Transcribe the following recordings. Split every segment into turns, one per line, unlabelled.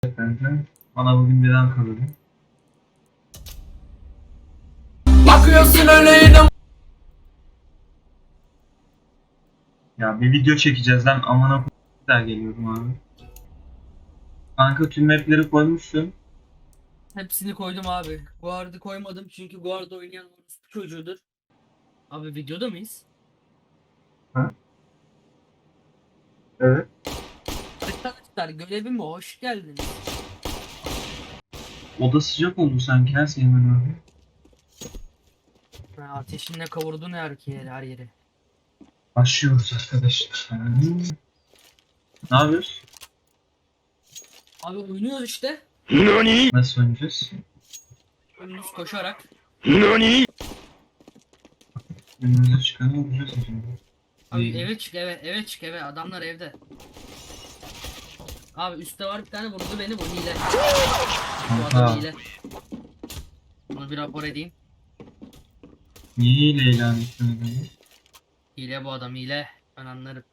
Kanka. Bana bugün birden kaldı.
Bakıyorsun öyle yine.
Ya bir video çekeceğiz lan amına koyayım der geliyorum abi. Kanka tüm mapleri koymuşsun.
Hepsini koydum abi. Guard'ı koymadım çünkü Guard oynayan orospu çocuğudur. Abi videoda mıyız?
Ha? Evet.
Arkadaşlar görevime hoş geldiniz.
Oda sıcak oldu sanki her Seymen abi.
Ha, ateşinle kavurdun her yeri.
Başlıyoruz arkadaşlar. Ne yapıyoruz?
Abi oynuyoruz işte.
Nasıl oynayacağız?
Önümüz koşarak.
Önümüze çıkanı vuracağız acaba.
Abi
İyi.
eve çık eve. Adamlar evde. Abi üstte var bir tane vurdu beni bu hile. Bu adam
Kanka.
hile. Bunu bir rapor edeyim.
Niye ile ilan ettin adamı?
Hile bu adam hile. Ben anlarım.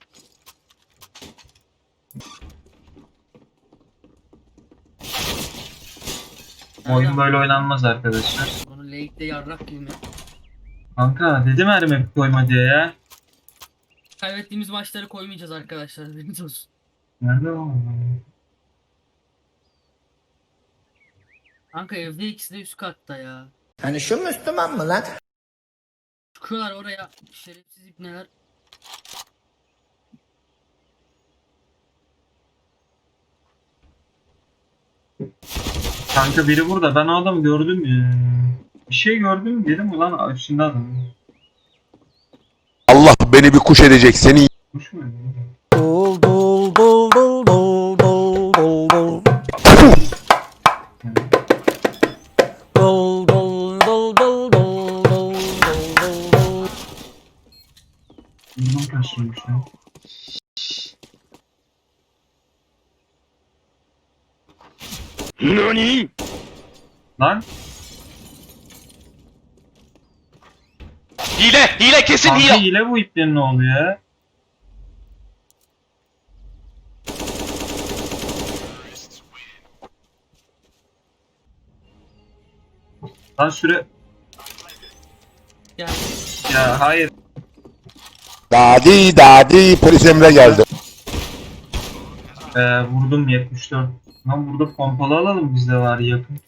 Oyun böyle oynanmaz arkadaşlar.
Bunu late'de yarrak gibi mi?
Kanka dedim her map koyma diye ya.
Kaybettiğimiz maçları koymayacağız arkadaşlar. Bilginiz olsun.
Nerede o?
Kanka evde ikisi de üst katta ya.
Hani şu Müslüman mı lan?
Çıkıyorlar oraya şerefsiz ipneler.
Kanka biri burada. Ben o adamı gördüm ya. Bir şey gördüm dedim ulan üstünde adam.
Allah beni bir kuş edecek seni.
Kuş mu?
Dol dol dol dol dol dol dol dol. Dol dol dol dol dol dol dol dol.
Bundan kaçırmış ya.
Nani?
Lan
Hile kesin
kanka hile bu iplerin ne oluyor ya? Lan süre...
Yani
Ya hayır.
Dadi polis emre geldi.
Vurdum 74. Lan burada pompalı alalım bizde var yakın.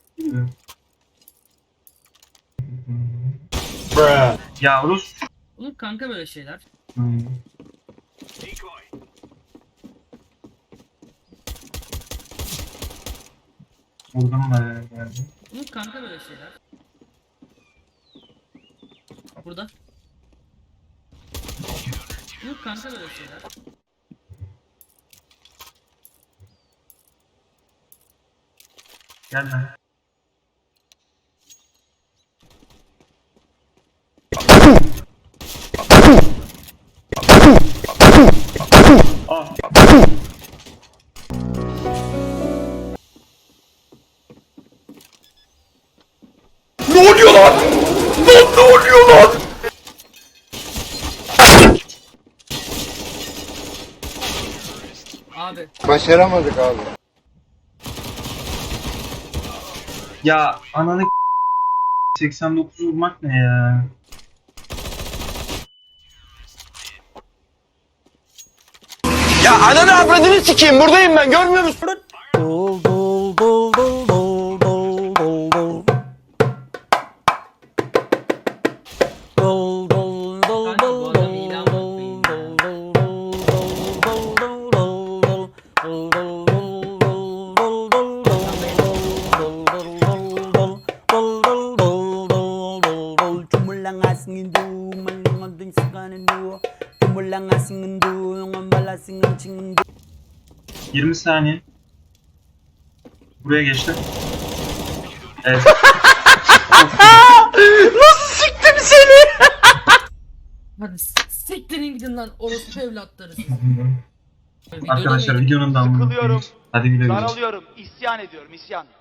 Ya Rus.
olur kanka böyle şeyler.
Vurdum da geldi.
Olur kanka böyle şeyler. Burada. Olur kanka böyle şeyler.
Gel lan. Ah.
Ne oluyor lan? Ne oluyor lan?
Abi
Başaramadık abi.
Ya ananı 89 vurmak ne ya?
Ya ananı avradını sikeyim buradayım ben görmüyor musun?
Dol dol dol dol dol dol dol dol. Dol dol dol
Kanka bu
dol
adam
dol
ilan
dol
bakmayın
dol
ya.
dol dol dol dol dol dol. Dol dol dol dol dol dol dol. Dol dol dol dol. Dol dol dol dol dol dol. Cumulang asingin du, malungan ding sakanin du. Cumulang asingin du, yung malasingin chingin du.
20 saniye. Buraya geçti. Evet.
Nasıl siktim seni?
hadi siktirin gidin lan orospu evlatları siz. Videoda
Arkadaşlar
mıydı?
videonun da
Sıkılıyorum.
Hadi güle güle.
Daralıyorum, isyan ediyorum, isyan.